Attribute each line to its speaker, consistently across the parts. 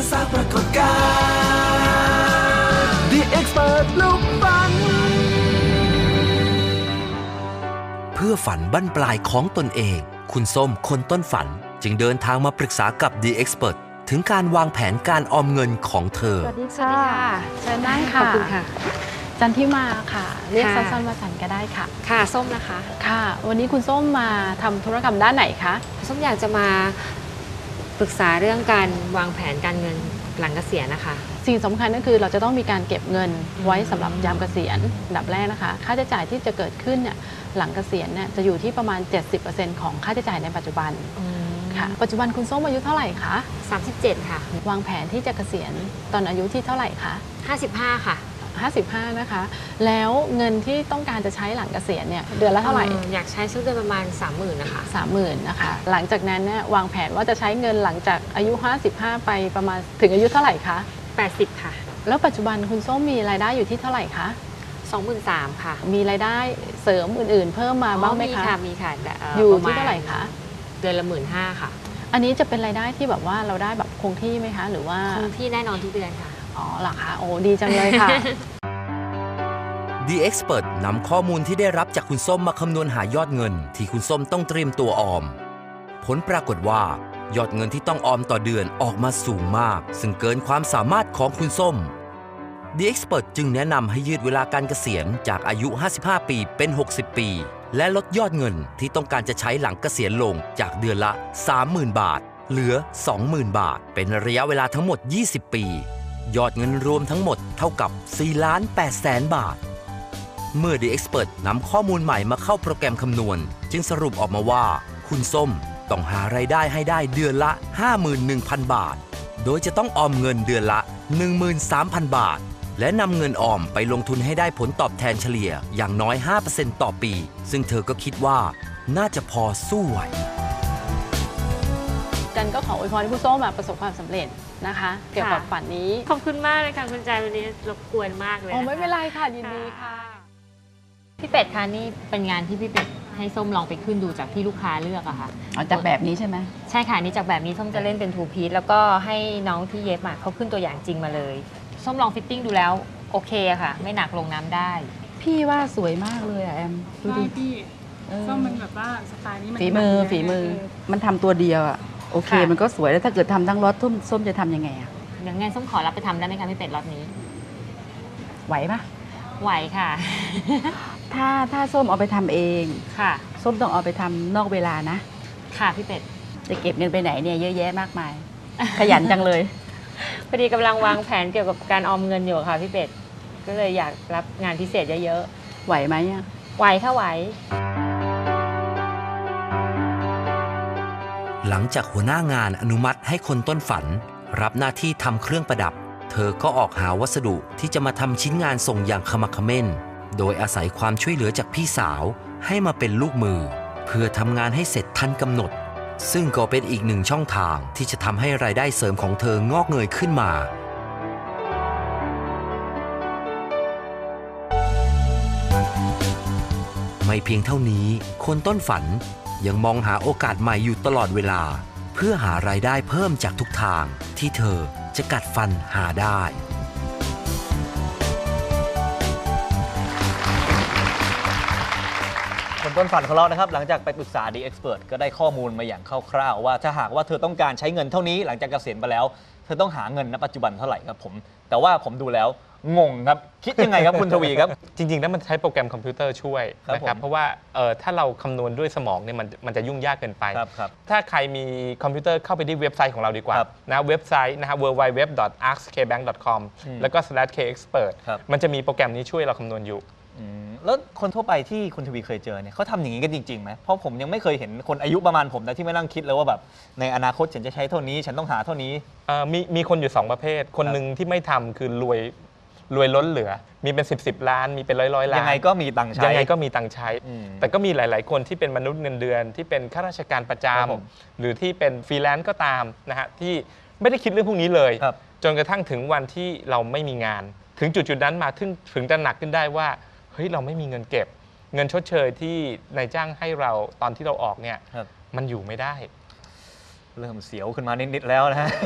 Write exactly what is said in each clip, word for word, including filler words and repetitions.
Speaker 1: สร้างปรากฏการณ์ The Expert ลุกฝันเพื่อฝันบั้นปลายของตนเองคุณส้มคนต้นฝันจึงเดินทางมาปรึกษากับ The Expert ถึงการวางแผนการออมเงินของเธอ
Speaker 2: สวัสดีค่ะเชิญนั่งค่ะขอบคุณค่ะจันทิมาค่ะเรียกสั้นๆว่าจันก็ได้ค่ะ
Speaker 3: ค่ะส้มนะคะ
Speaker 2: ค่ะวันนี้คุณส้มมาทำธุรกรรมด้านไหนคะ
Speaker 3: ส้มอยากจะมาปรึกษาเรื่องการวางแผนการเงินหลังเกษียณนะคะ
Speaker 2: สิ่งสำคัญก็คือเราจะต้องมีการเก็บเงินไว้สำหรับยามเกษียณอันดับแรกนะคะค่าใช้จ่ายที่จะเกิดขึ้นเนี่ยหลังเกษียณเนี่ยจะอยู่ที่ประมาณ เจ็ดสิบเปอร์เซ็นต์ ของค่าใช้จ่ายในปัจจุบันค่ะปัจจุบันคุณส้มอายุเท่าไหร่คะ
Speaker 3: สามสิบเจ็ดค่ะ
Speaker 2: วางแผนที่จะเกษียณตอนอายุที่เท่าไหร่คะ
Speaker 3: ห้าสิบห้าค่ะ
Speaker 2: ห้าสิบห้านะคะแล้วเงินที่ต้องการจะใช้หลังเกษียณเนี่ยเดือนละเท่าไหร่
Speaker 3: อยากใช้สักเดือนประมาณ สามหมื่น นะคะ
Speaker 2: สามหมื่น นะคะหลังจากนั้นเนี่ยวางแผนว่าจะใช้เงินหลังจากอายุห้าสิบห้าไปประมาณถึงอายุเท่าไหร่คะ
Speaker 3: แปดสิบค่ะ
Speaker 2: แล้วปัจจุบันคุณส้มมีรายได้อยู่ที่เท่าไหร่คะ
Speaker 3: สองหมื่นสามพัน ค่ะ
Speaker 2: มีรายได้เสริมอื่นๆเพิ่มมาบ้างไหมคะ
Speaker 3: มีค่ะมีค่ะ
Speaker 2: อยู่ที่เท่าไหร่คะ
Speaker 3: เดือนละหมื่นห้าค่ะ
Speaker 2: อันนี้จะเป็นรายได้ที่แบบว่าเราได้แบบคงที่ไหมคะหรือว่า
Speaker 3: คงที่แน่นอนทุกเดือนค่ะ
Speaker 2: อ๋อเหรอคะโอ้ดีจังเลยค่ะ
Speaker 1: The Expert นำข้อมูลที่ได้รับจากคุณส้มมาคำนวณหายอดเงินที่คุณส้มต้องเตรียมตัวออมผลปรากฏว่ายอดเงินที่ต้องออมต่อเดือนออกมาสูงมากซึ่งเกินความสามารถของคุณส้ม The Expert จึงแนะนำให้ยืดเวลาการเกษียณจากอายุห้าสิบห้าปีเป็นหกสิบปีและลดยอดเงินที่ต้องการจะใช้หลังเกษียณลงจากเดือนละ สามหมื่น บาทเหลือ สองหมื่น บาทเป็นระยะเวลาทั้งหมดยี่สิบปียอดเงินรวมทั้งหมดเท่ากับ สี่ล้านแปดแสน บาทเมื่อ The Expert นำข้อมูลใหม่มาเข้าโปรแกรมคำนวณจึงสรุปออกมาว่าคุณส้มต้องหารายได้ให้ได้เดือนละ ห้าหมื่นหนึ่งพัน บาทโดยจะต้องออมเงินเดือนละ หนึ่งหมื่นสามพัน บาทและนำเงินออมไปลงทุนให้ได้ผลตอบแทนเฉลี่ยอย่างน้อย ห้าเปอร์เซ็นต์ ต่อปีซึ่งเธอก็คิดว่าน่าจะพอสู้ไหว
Speaker 2: จันก็ขออวยพรให้ผู้ส้มประสบความสำเร็จนะคะเกี่ยวกับฝันนี้
Speaker 3: ขอบคุณมากเลยค่ะคุณใจวันนี้รบกวนมากเลย
Speaker 2: โอ้ไม่เป็นไรค่ะยินดีค่ะ
Speaker 3: พี่เป็ดคะนี่เป็นงานที่พี่เป็ดให้ส้มลองไปขึ้นดูจากที่ลูกค้าเลือกอะค่ะ
Speaker 2: จากแบบนี้ใช่ไหม
Speaker 3: ใช่ค่ะนี่จากแบบนี้ส้มจะเล่นเป็นทูพีซแล้วก็ให้น้องที่เย็บมาเขาขึ้นตัวอย่างจริงมาเลยส้มลองฟิตติ้งดูแล้วโอเคค่ะไม่หนักลงน้ำได้
Speaker 2: พี่ว่าสวยมากเลยอะแอม
Speaker 4: ดูดิพี่ส้มมันแบบว่าสไตล์นี้มัน
Speaker 2: ฝีมือฝีมือมันทำตัวเดียวอะโอเคมันก็สวยแล้วถ้าเกิดทำทั้งรถส้มส้มจะทำยังไงอะ
Speaker 3: เดี๋ยวงั้นส้มขอรับไปทำได้ไหมคะพี่เป็ดรถนี้
Speaker 2: ไหวปะ
Speaker 3: ไหวค่ะ
Speaker 2: ถ้าถ้าส้มเอาไปทำเอง
Speaker 3: ค่ะ
Speaker 2: ส้มต้องเอาไปทำนอกเวลานะ
Speaker 3: ค่ะพี่เป็ด
Speaker 2: จะเก็บเงินไปไหนเนี่ยเยอะแยะมากมายขยันจังเลย
Speaker 3: พอดีกำลังวางแผนเกี่ยวกับการออมเงินอยู่ค่ะพี่เป็ดก็เลยอยากรับงานพิเศษเยอะ
Speaker 2: ๆไหวไหมอ่ะ
Speaker 3: ไหวค่ะไหว
Speaker 1: หลังจากหัวหน้างานอนุมัติให้คนต้นฝันรับหน้าที่ทำเครื่องประดับเธอก็ออกหาวัสดุที่จะมาทำชิ้นงานส่งอย่างขมักเขม้นโดยอาศัยความช่วยเหลือจากพี่สาวให้มาเป็นลูกมือเพื่อทำงานให้เสร็จทันกำหนดซึ่งก็เป็นอีกหนึ่งช่องทางที่จะทำให้รายได้เสริมของเธองอกเงยขึ้นมาไม่เพียงเท่านี้คนต้นฝันยังมองหาโอกาสใหม่อยู่ตลอดเวลาเพื่อหารายได้เพิ่มจากทุกทางที่เธอจะกัดฟันหาได้
Speaker 5: คนต้นฝันของเรานะครับหลังจากไปปรึกษา The Expert ก็ได้ข้อมูลมาอย่างคร่าวๆว่าถ้าหากว่าเธอต้องการใช้เงินเท่านี้หลังจากเกษียณไปแล้วเธอต้องหาเงินณปัจจุบันเท่าไหร่ครับผมแต่ว่าผมดูแล้วงงครับคิดยังไงครับคุณทวีครับ
Speaker 6: จริงๆแล้วมันใช้โปรแกรมคอมพิวเตอร์ช่วยนะครับเพราะว่าถ้าเราคำนวณด้วยสมองเนี่ยมันมันจะยุ่งยากเกินไปถ้าใครมีคอมพิวเตอร์เข้าไปที่เว็บไซต์ของเราดีกว่านะเว็บไซต์นะฮะ ดับเบิลยู ดับเบิลยู ดับเบิลยู ดอท อาร์ค เค แบงก์ ดอท คอม แล้วก็ slash เค เอ็กซ์เพิร์ต มันจะมีโปรแกรมนี้ช่วยเราคำนวณอยู่
Speaker 5: แล้วคนทั่วไปที่คุณทวีเคยเจอเนี่ยเขาทำอย่างนี้กันจริงๆไหมเพราะผมยังไม่เคยเห็นคนอายุประมาณผมนะที่ไม่นั่งคิดเลยว่าแบบในอนาคตฉันจะใช้เท่านี้ฉันต้องหาเท่านี้
Speaker 6: มีมีคนอยู่สองประเภทคนหนึ่งที่ไม่ทำคือรวยรวยล้นเหลือมีเป็นสิบสิบล้านมีเป็นร้อยร้อยล้าน
Speaker 5: ยังไงก็มีตังค์ใช้
Speaker 6: ยังไงก็มีตังค์ใช้แต่ก็มีหลายๆคนที่เป็นมนุษย์เงินเดือนที่เป็นข้าราชการประจำหรือที่เป็นฟรีแลนซ์ก็ตามนะฮะที่ไม่ได้คิดเรื่องพวกนี้เลยจนกระทั่งถึงวันที่เราไม่มีงานถึงจุดๆนั้นมาถึงถึงจะหนักขึ้นได้ว่าเฮ้ยเราไม่มีเงินเก็บเงินชดเชยที่นายจ้างให้เราตอนที่เราออกเนี่ยมันอยู่ไม่ได้
Speaker 5: เริ่มเสียวขึ้นมานิดๆแล้วนะฮะ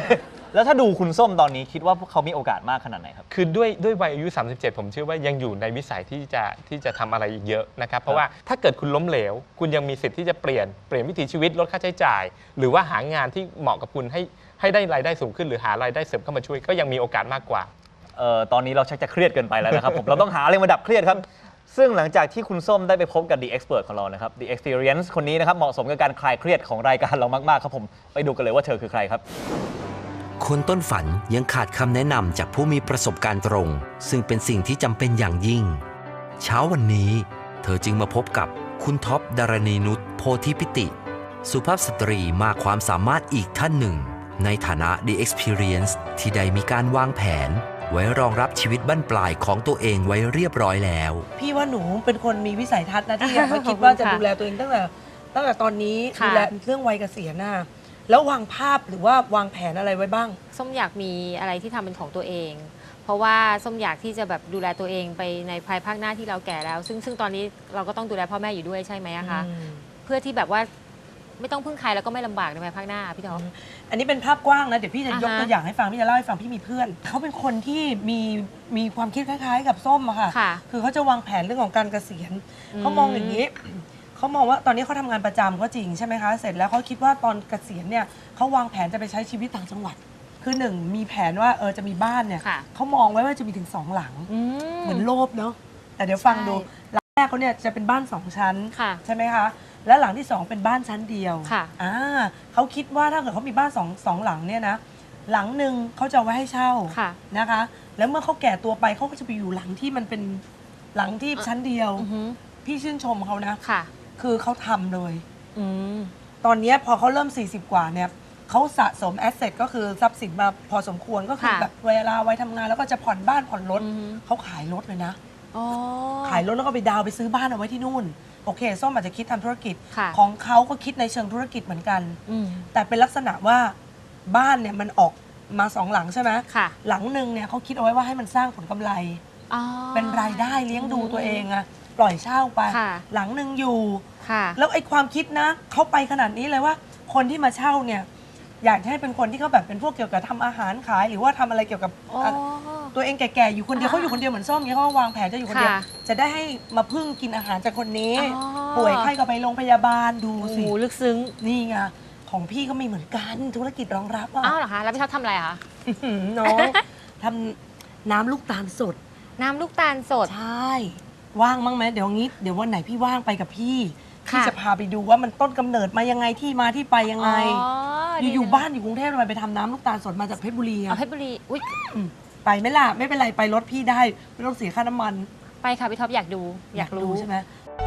Speaker 5: แล้วถ้าดูคุณส้มตอนนี้คิดว่าพวกเขามีโอกาสมากขนาดไหนครับ
Speaker 6: คือด้วยด้วยวัยอายุ สามสิบเจ็ด ผมเชื่อว่ายังอยู่ในวิสัยที่จะที่จะทำอะไรอีกเยอะนะครับ เพราะว่าถ้าเกิดคุณล้มเหลว คุณยังมีสิทธิ์ที่จะเปลี่ยนเปลี่ยนวิถีชีวิตลดค่าใช้จ่าย หรือว่าหางานที่เหมาะกับคุณให้ให้ได้รายได้สูงขึ้นหรือหารายได้เสริมเข้ามาช่วยก็ยังมีโอกาสมากกว่า
Speaker 5: เอ่อตอนนี้เราชักจะเครียดเกินไปแล้วนะครับผม เราต้องหาอะไรมาดับเครียดครับ ซึ่งหลังจากที่คุณส้มได้ไปพบกับ The Expert ของเรานะครับ The Experience คนนี้นะครับเหมาะสมกับการคลายเครียดของรายการเรามากๆครับผมไปดูกันเลยว่าเธอคือใครครับ
Speaker 1: คนต้นฝันยังขาดคำแนะนำจากผู้มีประสบการณ์ตรง ซึ่งเป็นสิ่งที่จำเป็นอย่างยิ่ง เช้าวันนี้เธอจึงมาพบกับคุณท็อปดารณีนุชโพธิพิติ สุภาพสตรีมากความสามารถอีกท่านหนึ่ง ในฐานะ The Experience ที่ได้มีการวางแผน ไว้รองรับชีวิตบั้นปลายของตัวเองไว้เรียบร้อยแล้ว
Speaker 7: พี่ว่าหนูเป็นคนมีวิสัยทัศน์นะที่อยากมาคิดว่าจะดูแลตัวเองตั้งแต่ตั้งแต่ตอนนี้
Speaker 3: ค่ะ
Speaker 7: ดูแลเรื่องวัยเกษียณน่ะแล้ววางภาพหรือว่าวางแผนอะไรไว้บ้าง
Speaker 3: ส้มอยากมีอะไรที่ทำเป็นของตัวเอง เพราะว่าส้มอยากที่จะแบบดูแลตัวเองไปในภายภาคหน้าที่เราแก่แล้ว ซึ่งซึ่งตอนนี้เราก็ต้องดูแลพ่อแม่อยู่ด้วยใช่ไหมอะคะ
Speaker 7: อืม
Speaker 3: เพื่อที่แบบว่าไม่ต้องพึ่งใครแล้วก็ไม่ลำบากในภายภาคหน้าพี่ท็อป
Speaker 7: อันนี้เป็นภาพกว้างนะเดี๋ยวพี่จะยก
Speaker 3: อ่าฮะ
Speaker 7: ตัวอย่างให้ฟังพี่จะเล่าให้ฟังพี่มีเพื่อน เขาเป็นคนที่มีมีความคิดคล้ายๆ กับส้มอะค่ะ
Speaker 3: ค่ะ
Speaker 7: คือเขาจะวางแผนเรื่องของการเกษียณ
Speaker 3: อืม
Speaker 7: เขามองอย่างนี้ เขามองว่าตอนนี้เขาทำงานประจำก็จริงใช่ไหมคะเสร็จแล้วเขาคิดว่าตอนเกษียณเนี่ยเขาวางแผนจะไปใช้ชีวิตต่างจังหวัด คือหนึ่งมีแผนว่าเออจะมีบ้านเนี่ย
Speaker 3: ค่ะ
Speaker 7: เขามองไว้ว่าจะมีถึงสองหลัง
Speaker 3: อื
Speaker 7: เหมือนโลภเนาะแต่เดี๋ยวฟังดู
Speaker 3: ใช่
Speaker 7: หลังแรกเขาเนี่ยจะเป็นบ้านสองชั้น
Speaker 3: ค่ะ
Speaker 7: ใช่ไหมคะและหลังที่สองเป็นบ้านชั้นเดียว
Speaker 3: ค่ะ
Speaker 7: อ่าเขาคิดว่าถ้าเกิดเขามีบ้านสองสองหลังเนี่ยนะหลังหนึ่งเขาจะเอาไว้ให้เช่า
Speaker 3: ค่ะ
Speaker 7: นะคะ แล้วเมื่อเขาแก่ตัวไปเขาก็จะไปอยู่หลังที่มันเป็นหลังที่ชั้นเดียว
Speaker 3: อือหือ
Speaker 7: พี่ชื่นชมเขานะ
Speaker 3: ค่ะ
Speaker 7: คือเขาทำเลย
Speaker 3: อืม
Speaker 7: ตอนเนี้ยพอเขาเริ่ม สี่สิบ กว่าเนี่ยเขาสะสมแอสเซทก็คือทรัพย์สินมาพอสมควรก็คือ
Speaker 3: ค่ะ
Speaker 7: แบบเวลาไว้ทำงานแล้วก็จะผ่อนบ้านผ่อนรถ
Speaker 3: อือฮึ
Speaker 7: เขาขายรถเลยนะ
Speaker 3: อ๋อ
Speaker 7: ขายรถแล้วก็ไปดาวน์ไปซื้อบ้านเอาไว้ที่นู่น โอเคส้มอาจจะคิดทำธุรกิจ
Speaker 3: ค่ะ
Speaker 7: ของเขาก็คิดในเชิงธุรกิจเหมือนกัน
Speaker 3: อืม
Speaker 7: แต่เป็นลักษณะว่าบ้านเนี่ยมันออกมาสองหลังใช่ไหม
Speaker 3: ค่ะ
Speaker 7: หลังหนึ่งเนี่ยเขาคิดเอาไว้ว่าให้มันสร้างผลกำไร
Speaker 3: อ๋อ
Speaker 7: เป็นรายได้เลี้ยงดูตัวเองอะปล่อยเช่าไป
Speaker 3: ค่ะ
Speaker 7: หลังหนึ่งอยู่
Speaker 3: ค่ะ
Speaker 7: แล้วไอ้ความคิดนะเขาไปขนาดนี้เลยว่า คนที่มาเช่าเนี่ยอยากให้เป็นคนที่เขาแบบเป็นพวกเกี่ยวกับทำอาหารขาย หรือว่าทำอะไรเกี่ยวกับ
Speaker 3: อ๋อ
Speaker 7: ตัวเองแก่ๆอยู่คนเดียวเขาอยู่คนเดียวเหมือนส้มเนี่ยเขาก็วางแผนจะอยู่คนเดียว
Speaker 3: ค่ะ
Speaker 7: จะได้ให้มาพึ่งกินอาหารจากคนนี้
Speaker 3: อ๋อ
Speaker 7: ป่วยไข้ก็ไปโรงพยาบาลดู
Speaker 3: โอ้
Speaker 7: สิ
Speaker 3: โหลึกซึ้ง
Speaker 7: นี่ไงของพี่ก็มีเหมือนกันธุรกิจรองรับอ่ะ
Speaker 3: อ้าวเหรอคะ แล้วพี่ท็อปทำอะไรอะคะ
Speaker 7: น้องทำน้ำลูกตาลสด
Speaker 3: น้ำลูกตาลสด
Speaker 7: ใช่ ว่างมั้งไหมเดี๋ยวงี้เดี๋ยววันไหนพี่ว่างไปกับพี่พี่
Speaker 3: ค่ะ
Speaker 7: จะพาไปดูว่ามันต้นกำเนิดมายังไงที่มาที่ไปยังไง
Speaker 3: อ๋อ
Speaker 7: อยู่
Speaker 3: ดี
Speaker 7: อยู่
Speaker 3: จัง
Speaker 7: บ้านอยู่กรุงเทพทำไมไปทำน้ำลูกตาลสดมาจากเพชรบุรี
Speaker 3: เอา
Speaker 7: อะ
Speaker 3: เพชรบุรี อุ้ย
Speaker 7: อืมไปไหม่ล่ะไม่เป็นไรไปรถพี่ได้ไม่ต้องเสียค่าน้ำมัน
Speaker 3: ไปค่ะพี่ท็อปอยากดู อยากรู้
Speaker 7: ใช่ไหม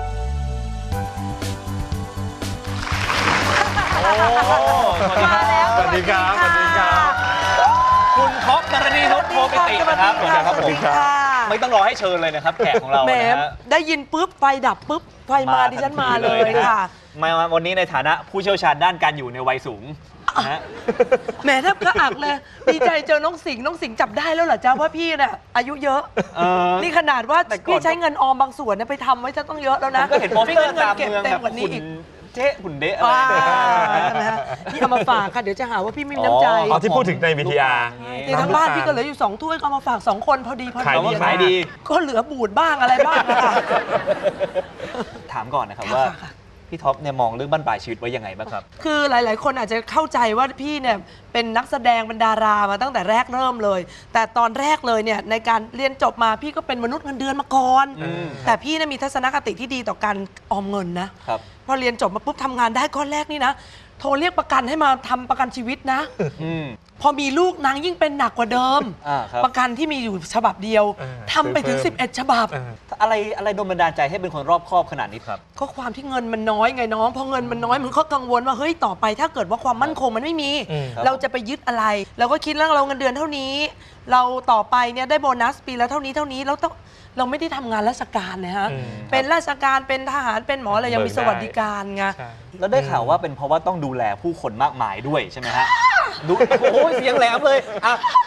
Speaker 5: มาแล้ว
Speaker 6: สวัสดีครับ สวัสดีครับ
Speaker 5: คุณท็อปดารณีนุชโพธิปิตินะครับ
Speaker 7: สวัสดีค่ะ
Speaker 6: สวัสดีครับ
Speaker 5: ไม่ต้องรอให้เชิญเลยนะครับแขกของเรา
Speaker 7: แหม
Speaker 5: นะฮะ
Speaker 7: ได้ยินปุ๊บไฟดับปุ๊บไฟมาดิฉันมาเลย
Speaker 5: นะฮะ
Speaker 7: ค่ะ
Speaker 5: มาวันนี้ในฐานะผู้เชี่ยวชาญด้านการอยู่ในวัยสูงนะฮะ
Speaker 7: แหมแทบกระอักเลย ดีใจเจอน้องสิงห์น้องสิงห์จับได้แล้วเหรอจ๊ะว่าพี่น่ะอายุเยอะ
Speaker 5: เออ
Speaker 7: นี่ขนาดว่า
Speaker 5: แต่ก่อน
Speaker 7: พี่ใช้เงินออมบางส่วนเนี่ยไปทำไว้จะต้องเยอะแล้ว
Speaker 5: ผม
Speaker 7: นะ
Speaker 5: ก็เห็นโปสเตอร์
Speaker 7: เงิ
Speaker 5: ตาม
Speaker 7: เก็บ
Speaker 5: เมือง
Speaker 7: เต็
Speaker 5: แบ
Speaker 7: ม
Speaker 5: บ
Speaker 7: กว่านี้
Speaker 5: หุ่น
Speaker 7: อีก
Speaker 5: เจ๊หุ่นเดะอะไร
Speaker 7: ว้า
Speaker 5: เนี่ย
Speaker 7: ใช่ไหมฮะนี่เอามาฝากค่ะเดี๋ยวจะหาว่าพี่ไม่มีน้ำใจ
Speaker 6: อ๋อที่พูดถึงใน วี ที อาร์
Speaker 7: ในทั้งบ้านพี่ก็เหลืออยู่สองถ้วยก็เอามาฝากสองคนพอดีพอดี
Speaker 6: ขายดี
Speaker 5: ขายดี
Speaker 7: ก็เหลือบูดบ้างอะไรบ้างอะค่ะ
Speaker 5: ถามก่อนนะครับ
Speaker 7: ค่ะ
Speaker 5: ว่า
Speaker 7: ค่ะ
Speaker 5: พี่ท็อปเนี่ยมองเรื่องบั้นปลายชีวิตไว้ยังไงบ้างครับ
Speaker 7: คือหลาย ๆ คนอาจจะเข้าใจว่าพี่เนี่ยเป็นนักแสดงเป็นดารามาตั้งแต่แรกเริ่มเลย แต่ตอนแรกเลยเนี่ยในการเรียนจบมาพี่ก็เป็นมนุษย์เงินเดือนมาก่อน
Speaker 5: อืม
Speaker 7: แต่พี่เนี่ยมีทัศนคติที่ดีต่อการออมเงินนะครับ พอเรียนจบมาปุ๊บทำงานได้ก้อนแรกนี่นะโทรเรียกประกันให้มาทำประกันชีวิตนะ
Speaker 5: อืม
Speaker 7: พอมีลูกนางยิ่งเป็นหนักกว่าเดิม
Speaker 5: อ่าครับ
Speaker 7: ประกันที่มีอยู่ฉบับเดียว
Speaker 6: เออ
Speaker 7: ทำไปถึง
Speaker 6: ซื้อเพิ่ม
Speaker 7: สิบเอ็ด ฉบับ
Speaker 6: เออ
Speaker 5: อะไรอะไรโดนบันดาลใจให้เป็นคนรอบคอบขนาดนี้ครับ
Speaker 7: ก็ความที่เงินมันน้อยไงน้องพอเงินมันน้อยมันก็กังวลว่าเฮ้ยต่อไปถ้าเกิดว่าความมั่นคงมันไม่มี
Speaker 6: อืม
Speaker 5: ครับ
Speaker 7: เราจะไปยึดอะไร เราก็คิดว่าเราเงินเดือนเท่านี้ เราต่อไปเนี่ยได้โบนัสปีละเท่านี้เท่านี้เราต้องเราไม่ได้ทำงานราชการนะฮะ
Speaker 6: อืม
Speaker 7: เป็นราชการเป็นทหารเป็นหมออะไรยังมีสวัสดิการไง
Speaker 6: ใช่
Speaker 5: แล้วได้ข่าวว่าเป็นเพราะว่าต้องดูแลผู้คนมากมายด้วยใช่ไหมฮะดูโอ้ยเสียงแหลมเลยอ่ะ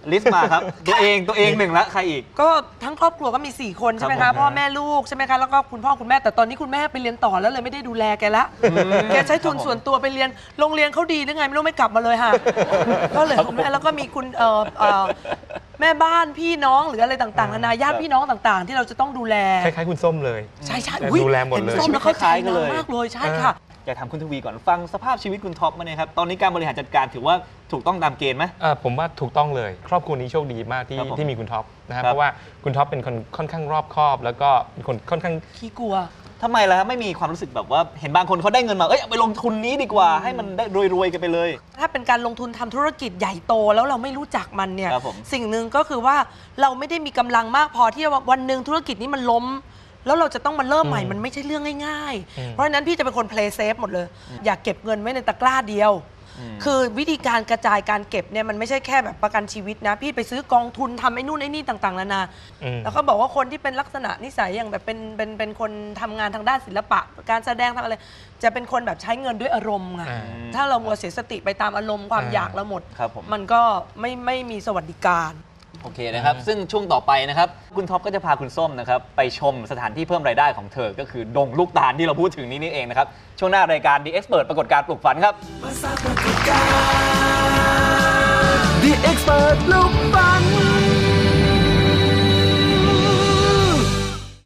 Speaker 5: ลิสต์มาครับ ตัวเองตัวเองหนึ่งละใครอีก
Speaker 7: ก็ทั้งครอบครัวก็มี สี่ คนใช่ไหม
Speaker 5: ครั
Speaker 7: คะ
Speaker 5: บผม
Speaker 7: พ่อแม่ลูกใช่ไหมคะแล้วก็คุณพ่อคุณแม่แต่ตอนนี้คุณแม่ไปเรียนต่อแล้วเลยไม่ได้ดูแลแกละแกใช้ทุนส่วนตัวไปเรียนโรงเรียนเขาดีหรือไงไม่รู้ไม่กลับมาเลยค่ะก็เลยคุณแม่แล้วก็มีคุณเอ่อเอ่อแม่บ้านพี่น้องหรืออะไรต่างๆนานาญาติพี่น้องต่างๆ ที่เราจะต้องดูแล
Speaker 6: คล้ายๆคุณส้มเลย
Speaker 7: ใช่ใช่
Speaker 6: ดูแลหมดเลย
Speaker 7: ส้มแล้วเข้าใจนางมากเลยใช่ค่ะ
Speaker 5: อยากถามคุณทวีก่อนฟังสภาพชีวิตคุณท็อปมาเนี่ยครับตอนนี้การบริหารจัดการถือว่าถูกต้องตามเกณฑ์ไหม
Speaker 6: เอ่อผมว่าถูกต้องเลย ครอบครัวนี้โชคดีมากที่
Speaker 5: ครับผม
Speaker 6: ที่มีคุณท็อปนะครับ
Speaker 5: ครับ
Speaker 6: เพราะว่าคุณท็อปเป็นคนค่อนข้างรอบคอบ แล้วก็เป็นคนค่อนข้าง
Speaker 7: ขี้กลัว
Speaker 5: ทำไมล่ะครับไม่มีความรู้สึกแบบว่าเห็นบางคนเขาได้เงินมาเอ้ยเอาไปลงทุนนี้ดีกว่า ให้มันได้รวยๆกันไปเลย
Speaker 7: ถ้าเป็นการลงทุนทำธุรกิจใหญ่โตแล้วเราไม่รู้จักมันเนี่ย
Speaker 5: ครับผม
Speaker 7: สิ่งหนึ่งก็คือว่าเราไม่ได้มีกำลังมากพอที่ว่าวันหนึ่งธุรกิจนี้มันล้ม แล้วเราจะต้องมาเริ่มใหม่
Speaker 6: อืม
Speaker 7: มันไม่ใช่เรื่องง่าย
Speaker 6: อืม
Speaker 7: ๆ เพราะฉะนั้นพี่จะเป็นคน play safe หมดเลย อยากเก็บเงินไว้ในตะกร้าเดียว
Speaker 5: อืม
Speaker 7: คือวิธีการกระจายการเก็บเนี่ยมันไม่ใช่แค่แบบประกันชีวิตนะ พี่ไปซื้อกองทุนทำไอ้นู่นไอ้นี่ต่างๆนานา
Speaker 6: อืม
Speaker 7: แล้วก็บอกว่าคนที่เป็นลักษณะนิสัยอย่างแบบเป็นเป็นเป็นคนทำงานทางด้านศิลปะ การแสดงทำอะไร จะเป็นคนแบบใช้เงินด้วยอารมณ์ไง
Speaker 6: อ่า
Speaker 7: ถ้าเรามัวเสียสติไปตามอารมณ์ความ
Speaker 6: อ่า
Speaker 7: อยากเราหมด
Speaker 5: ครับผม
Speaker 7: มันก็ไม่ไม่มีสวัสดิการ
Speaker 5: โอเคนะครับ ซึ่งช่วงต่อไปนะครับ คุณท็อปก็จะพาคุณส้มนะครับ ไปชมสถานที่เพิ่มรายได้ของเธอ ก็คือดงลูกตาลที่เราพูดถึงนี้นี่เองนะครับ ช่วงหน้ารายการ The Expert ปรากฏการณ์ปลุกฝันครับ
Speaker 8: The Expert ลูก